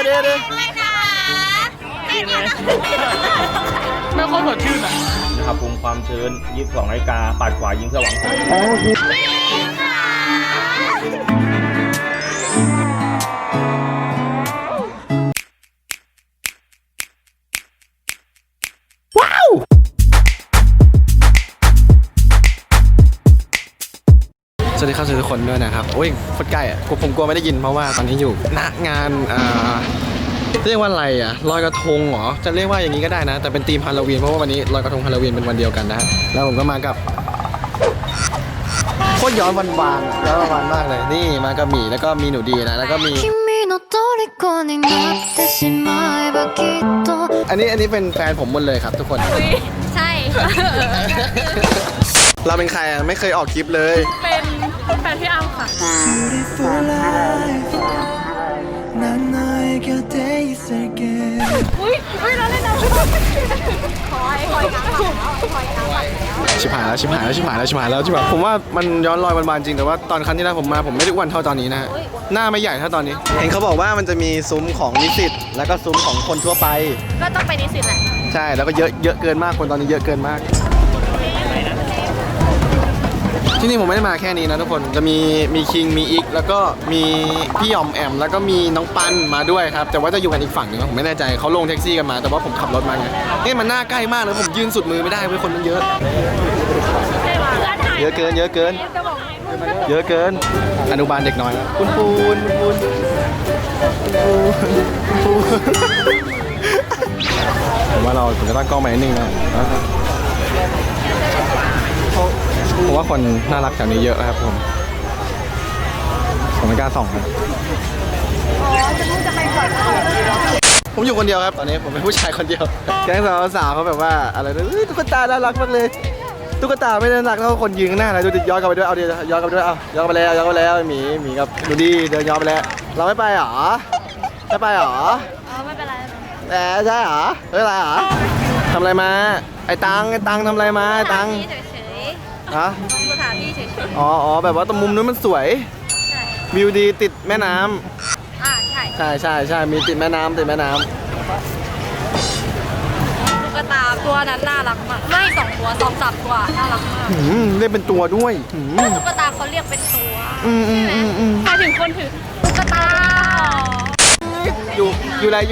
ไม่ค่อยสดชื่นอ่ะนะครับภูมิความชื้น22 นาฬิกาปัดขวายิงสว่างว้าวสวัสดีครับทุกคนด้วยนะครับโอ้ยโคตรใกล้อ่ะผมกลัวไม่ได้ยินเพราะว่าตอนนี้อยู่ณงานเรียกว่าอะไรอ่ะลอยกระทงเหรอจะเรียกว่าอย่างนี้ก็ได้นะแต่เป็นธีมฮาโลวีนเพราะว่าวันนี้ลอยกระทงฮาโลวีนเป็นวันเดียวกันนะแล้วผมก็มากับโคตรย้อนวันๆย้อนวันมากเลยนี่มากับหมีแล้วก็มีหนูดีนะแล้วก็มีอันนี้เป็นแฟนผมหมดเลยครับทุกคนใช่เราเป็นใครอ่ะไม่เคยออกคลิปเลยเป็นแฟนพี่อ้ำค่ะอุ้ยเราเล่นน้ำคอยชิบหายแล้วผมว่ามันย้อนรอยวันๆจริงแต่ว่าตอนครั้งที่แล้วผมมาผมไม่ได้อ้วนเท่าตอนนี้นะฮะหน้าไม่ใหญ่เท่าตอนนี้เห็นเขาบอกว่ามันจะมีซุ้มของนิสิตแล้วก็ซุ้มของคนทั่วไปก็ต้องไปนิสิตแหละใช่แล้วก็เยอะเกินมากคนตอนนี้เยอะเกินมากที่นี่ผมไม่ได้มาแค่นี้นะทุกคนจะมีคิงมีอีกแล้วก็มีพี่ยอมแอมแล้วก็มีน้องปันมาด้วยครับแต่ว่าจะอยู่กันอีกฝั่งนึงผมไม่แน่ใจเขาลงแท็กซี่กันมาแต่ว่าผมขับรถมาไงนี่มันหน้าใกล้มากเลยผมยืนสุดมือไม่ได้เว้ยคนมันเยอะเกินอนุบาลเด็กน้อยคุณปูนผมว่าผมจะตั้งกล้องใหม่นิดนึงนะผมว่าคนน่ารักแถวนี้เยอะครับผมไม่กล้าส่องนะผมอยู่คนเดียวครับตอนนี้ผมเป็นผู้ชายคนเดียวแก๊งสาวเขาแบบว่าอะไรนะตุ๊กตาน่ารักมากเลยตุ๊กตาไม่น่ารักเท่าคนยืนข้างหน้าเลยดูดิย้อนกลับไปด้วยเอาดิย้อนกลับไปด้วยเอาย้อนกลับไปแล้วหมีกับดูดิเดินย้อนไปแล้วเราไม่ไปหรอไม่เป็นไรแต่ใช่หรอไม่เป็นไรหรอทำอะไรมาไอ้ตังทำอะไรมาไอ้ตังฮะสถานที่เฉยๆอ๋อแบบว่าตรงมุมนู้นมันสวยวิวดีติดแม่น้ำใช่มีติดแม่น้ำตุ๊กตาตัวนั้นน่ารักมากไม่2 ตัว2 3 ตัวน่ารักมากเรียกเป็นตัวด้วยตุ๊กตาเขาเรียกเป็นตัวใครถึงคนถือตุ๊กตาอยู่ไหน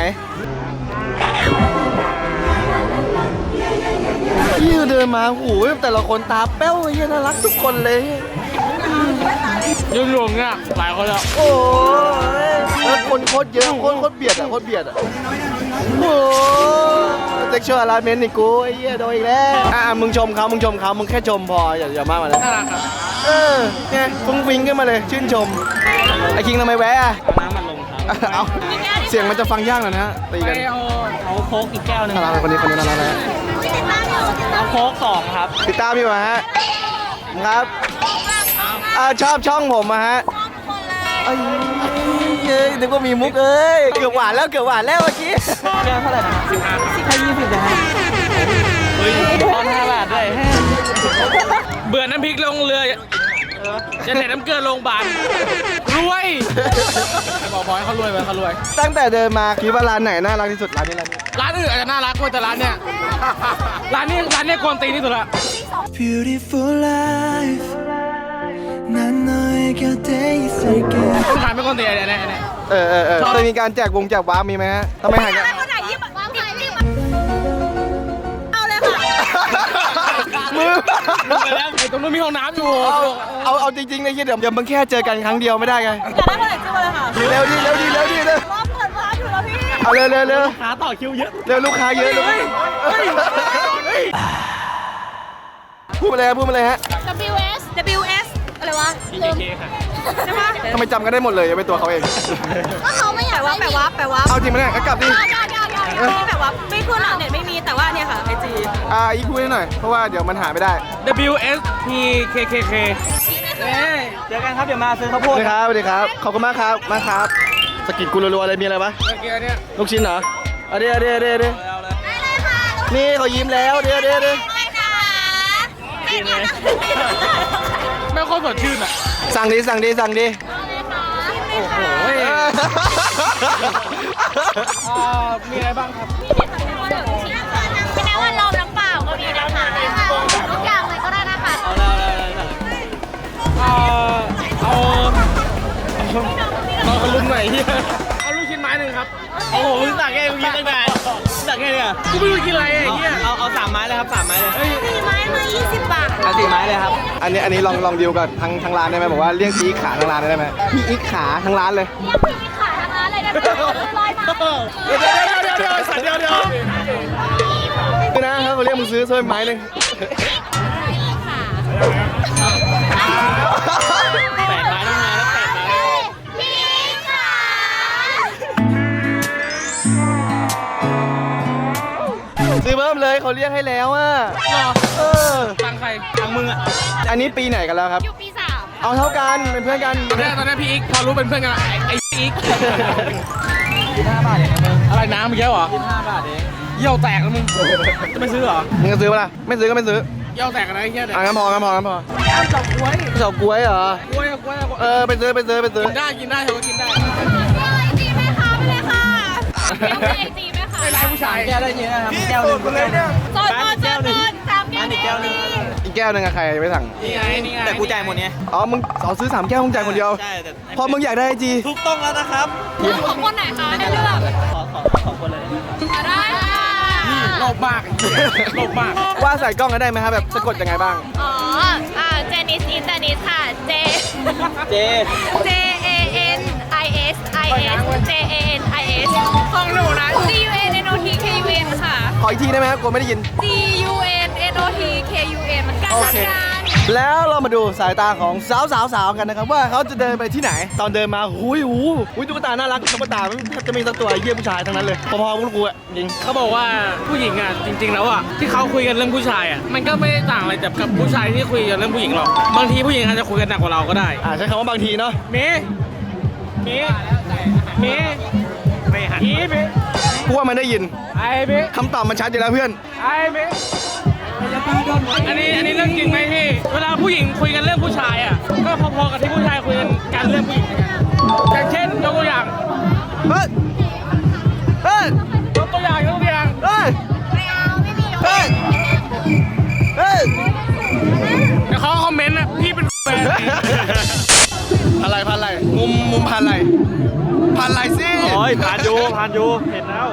ยืนเดินมาโอ้โหแต่ละคนตาแป้วเยี่ยน่ารักทุกคนเลยยืนรวมเนี่ยหลายคนแล้วโอ้ยแล้วคนโคตรเยอะโคตรเบียดอ่ะโอ้เซ็กชวลฮาราสเมนต์นี่กูไอ้เหี้ยโดนอีกแล้วมึงชมเขามึงแค่ชมพออย่ามากมาเลยน่ารักครับเนี่ยฟุ้งฟิ้งขึ้นมาเลยชื่นชมไอ้คิงทำไมแวะน้ำมันลงครับเอาเสียงมันจะฟังยากหน่อยนะตีกันเอาโค้กอีกแก้วนึงน่ารักคนนี้น่ารักนะเอาโค้ก2ครับติดตามพี่มาฮะครับชอบช่องผมมาฮะนึกว่ามีมุกเกือบหวานแล้วเมื่อกี้แก้วเท่าไหร่นะ15 20นะฮะเฮ้ยทอน5 บาทด้วยเบื่อน้ำพริกลงเรือจะใส่น้ำเกลือลงบานรวยบอกให้เขารวยตั้งแต่เดินมาคิดว่าร้านไหนน่ารักที่สุดร้านอื่นอาจจะน่ารักแต่ร้านเนี่ยกวนตีนที่สุดละ Beautiful life 난 너의 곁에 있을게 ต้องการไม่กวนตีนเนี่ยจะมีการแจกว้ามีไหมฮะทำไมหายกันมือไอ้ตรงนู้นมีห้องน้ำอยู่เอาจริงๆเลยเดี๋ยวมึงแค่เจอกันครั้งเดียวไม่ได้ไงอยากได้เมื่อไหร่จิ้มเลยค่ะเร็วดิรอเปิดร้านอยู่แล้วพี่เอาเร็วลูกค้าต่อคิวเยอะลูกค้าเยอะเลยพูดมาเลยฮะ WS อะไรวะ PKK ค่ะใช่ปะทำไมจำกันได้หมดเลยเป็นตัวเขาเองก็เขาไม่อยากแปลว่าเอาจริงไหมเนี่ยกลับดินี่แบบว่าไม่ขึ้นหรอกเน็ตไม่มีแต่ว่าเนี่ยค่ะIG อีกคุยหน่อยเพราะว่าเดี๋ยวมันหาไม่ได้ WSPKKK เจอกันครับเดี๋ยวมาซื้อข้าวโพดสวัสดีครับขอบคุณมากครับสกิดกูรัวๆอะไรมีอะไรปะลูกชิ้นเหรอเดี๋ยวนี่เขายิ้มแล้วเดี๋ยวไม่ค่อยสดชื่นอ่ะสั่งดิโอ้โหครับมีอะไรบ้างครับไม่แน่ว่าลมน้ำเปล่าก็มีนะคะทุกอย่างเลยก็ได้นะคะเอารอคนรุ่นใหม่ที่เอาลูกชิ้นไม้หนึ่งครับโอ้โหมึงสั่งแค่มึงกินตั้งนานสั่งแค่เนี่ยกูไม่รู้กินอะไรไอ้เหี้ยเอา3 ไม้เลยครับ3 ไม้เลย 4 ไม้มา20 บาทเอา4 ไม้เลยครับอันนี้ลองดีลกับทางร้านได้ไหมบอกว่าเรียกพี่อีกขาทางร้านได้ไหมพี่อีกขาทางร้านเลยเรียกพี่ขาทางร้านเลยได้ไหมร้อยมาเดี๋ยวสัตว์เดี๋ยวคือนะครับเขาเรียกมึงซื้อไม้หนึ่ง 8 ไม้ต้องมาแล้ว8 ไม้พี่ขาซื้อเพิ่มเลยเขาเรียกให้แล้วอ่ะรอเออตังใครทางมึงอ่ะอันนี้ปีไหนกันแล้วครับอยู่ปี 3 เอาเท่ากันเป็นเพื่อนกันตอนนี้พี่อีกพอรู้เป็นเพื่อนกันไอ้อีก 5 บาทเองนะมึงอะไรน้ำเมื่อกี้เหรอ 5 บาทเองเยี่ยวแตกแล้วมึงจะไม่ซื้อเหรอมึงจะซื้อปะล่ะไม่ซื้อก็ไม่ซื้อเยี่ยวแตกกันนะไอ้เหี้ยเด็กอ่ะงั้นพอเหรอ เฉาก๊วยเหรอกล้วยไปซื้อกินได้เธอก็กินได้ไอจีแม่ค้าไปเลยค่ะเรียกไอจีแม่ค้าไอ้ผู้ชายแก้วได้เยอะนะครับแก้วหนึ่งโซน3 แก้วนี้อีกแก้วหนึงอะใครไม่สั่งนี่ไงแต่กูจ่ายหมดเนี่ยอ๋อมึงซื้อ3 แก้วมึงจ่ายคนเดียวใช่แต่พอมึงอยากได้ไอจีถูกต้องแล้วนะครับของคนไหนคะให้เลือกขอคนเลยได้ค่ะโลภมากโลภมากว่าใส่กล้องกันได้ไหมครับแบบสะกดยังไงบ้างอ๋อเจนิสอินเตอร์นิสค่ะเจ J A N I S I S J A N I S ของหนูนะ C U N N O T K U N ค่ะขออีกทีได้ไหมครับกลัวไม่ได้ยิน C U N N O T K U N มันกันโอกันเค แล้วเรามาดูสายตาของสาวๆกันนะครับว่าเขาจะเดินไปที่ไหน ตอนเดินมาหุยตุ๊กตาน่ารักตุ๊กตาแทบจะมีสักตัวเยี่ยผู้ชายทั้งนั้นเลยพอๆกับกูอะจริงเขาบอกว่าผู้หญิงอ่ะจริงๆแล้วอ่ะที่เขาคุยกันเรื่องผู้ชายอ่ะมันก็ไม่ได้ต่างอะไรกับผู้ชายที่คุยกันเรื่องผู้หญิงหรอกบางทีผู้หญิงอาจจะคุยกันหนักกว่าเราก็ได้ใช้คำว่าบางทีเนาะเมไม่หันอีเมกูว่ามันได้ยินไอเมคำตอบมันชัดอยู่แล้วเพื่อนไอเมอันนี้เรื่องจริงไหมพี่เวลาผู้หญิงคุยกันเรื่องผู้ชายอ่ะก็พอๆกับที่ผู้ชายคุยกันเรื่องผู้หญิงเหมือนกันอย่างเช่นยกตัวอย่างเฮ้ยเฮ้ยยกตัวอย่างเฮ้ยไม่เอาไม่มีเฮ้ยเฮ้ยเดี๋ยวเขาคอมเมนต์อ่ะพี่เป็นแฟนพันอะไรมุมพันอะไรสิโอ้ยผ่านอยู่เห็นแล้ว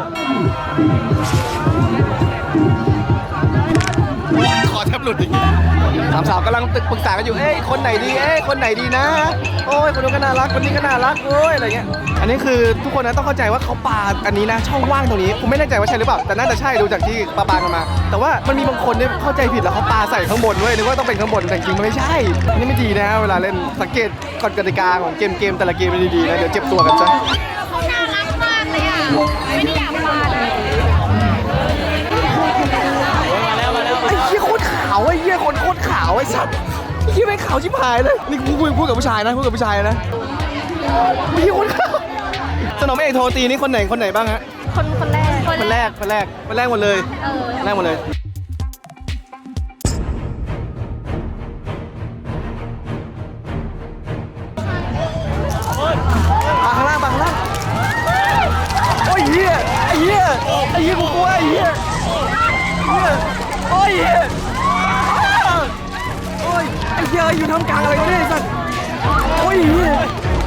ขอแทบหลุดอีกสาวๆกำลังปรึกษากันอยู่คนไหนดีนะโอ้ยคนนู้นก็น่ารักคนนี้ก็น่ารักโอ้ยอะไรเงี้ยอันนี้คือทุกคนนะต้องเข้าใจว่าเขาปาอันนี้นะช่องว่างตรงนี้ผมไม่แน่ใจว่าใช่หรือเปล่าแต่น่าจะใช่ดูจากที่ปากันมา แต่ว่ามันมีบางคนเนี่ยเข้าใจผิดแล้วเขาปาใส่ข้างบนด้วยนึกว่าต้องเป็นข้างบนแต่จริงๆมันไม่ใช่อันนี่ไม่ดีนะเวลาเล่นสังเกตกฎกติกาของเกมแต่ละเกมมันดีๆนะเดี๋ยวเจ็บตัวกันซะเขาน่ารักมากเลยอ่ะไม่ได้อยากมาเลยมาแล้วไอ้เหี้ยโคตรขาวไอ้เหี้ยคนโคตรขาวไอ้สัตว์ไอ้เหี้ยไม่งขาวชิบหายเลยนี่กูพูดกับผู้ชายนะมีคนขาวสนมเอกโทรตีนี่คนไหนบ้างฮะคนแรกคนแรกหมดเลยแรกหมดเลยปาข้างล่างโอ้ยเหี้ยไอ้เหี้ยกูกลัวไอ้เหี้ยโอ้ยเหี้ยโอ้ยไอ้เหี้ยอยู่ท่ามกลางอะไรวะเนี่ยไอ้สัตว์โอ้ยเหี้ย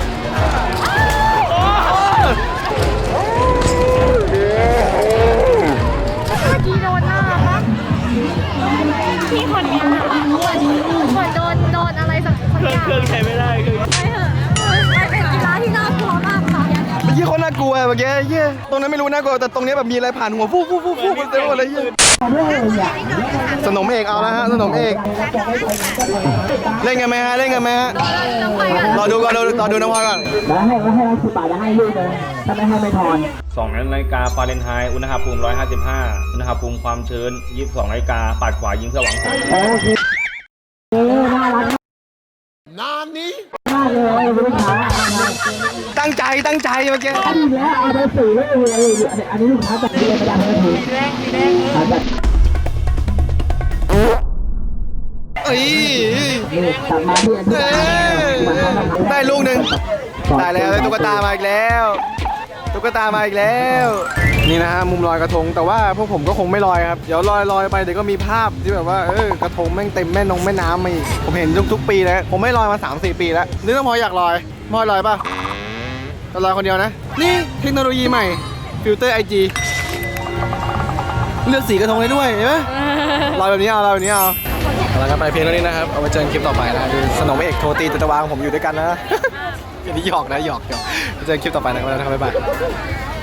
พี่คนนี้เหมือนโดนอะไรสักอย่างเครื่องใช้ไม่ได้คือไปเถอะมันเป็นกีฬาที่น่ากลัวมากค่ะเมื่อกี้เขาน่ากลัวเมื่อกี้เหี้ยตรงนั้นไม่รู้น่ากลัวแต่ตรงนี้แบบมีอะไรผ่านหัวฟูเต็มหมดเลยเหี้ยสนมเอกเอาแล้วฮะสนมเอกเล่นกันไหมฮะรอดูน้องพลอยก่อนแล้วให้10 บาทจะให้ลูกเลยถ้าไม่ให้ไม่ทอน 2 นาฬิกาฟาเรนไฮต์อุณหภูมิ 155 อุณหภูมิความชื้น 22 นาฬิกาปัดขวายิงสว่างแสงโอเคน่ารักนานนี้มากเลยลูกค้าตั้งใจเมื่อกี้ดีแล้วเอาไปสื่อเลยอันนี้ลูกค้าจัดเรียนประจำเลยถูกเอ้ยกลับมาที่อันนี้ได้ลูกหนึ่งได้แล้วได้ตุ๊กตามาอีกแล้วนี่นะฮะมุมลอยกระทงแต่ว่าพวกผมก็คงไม่ลอยครับเดี๋ยวลอยไปเดี๋ยวก็มีภาพที่แบบว่ากระทงแม่งเต็มแม่น้ำมาอีกผมเห็นทุกปีแล้วผมไม่ลอยมา 3-4 ปีแล้วนึกว่าพออยากลอยพอลอยป่ะเราลอยคนเดียวนะนี่เทคโนโลยีใหม่ฟิลเตอร์ IG เลือกสีกระทงได้ด้วยเห็นไหมลอยแบบนี้เอาลอยแบบนี้เอาแล้วกันไปเพียงเท่านี้นะครับเอาไว้เจอกันคลิปต่อไปนะดูสนมเอกโทตีจัตวาของผมอยู่ด้วยกันนะ อันนี้หยอกนะหยอกเจอกันคลิปต่อไปนะครับบ๊ายบาย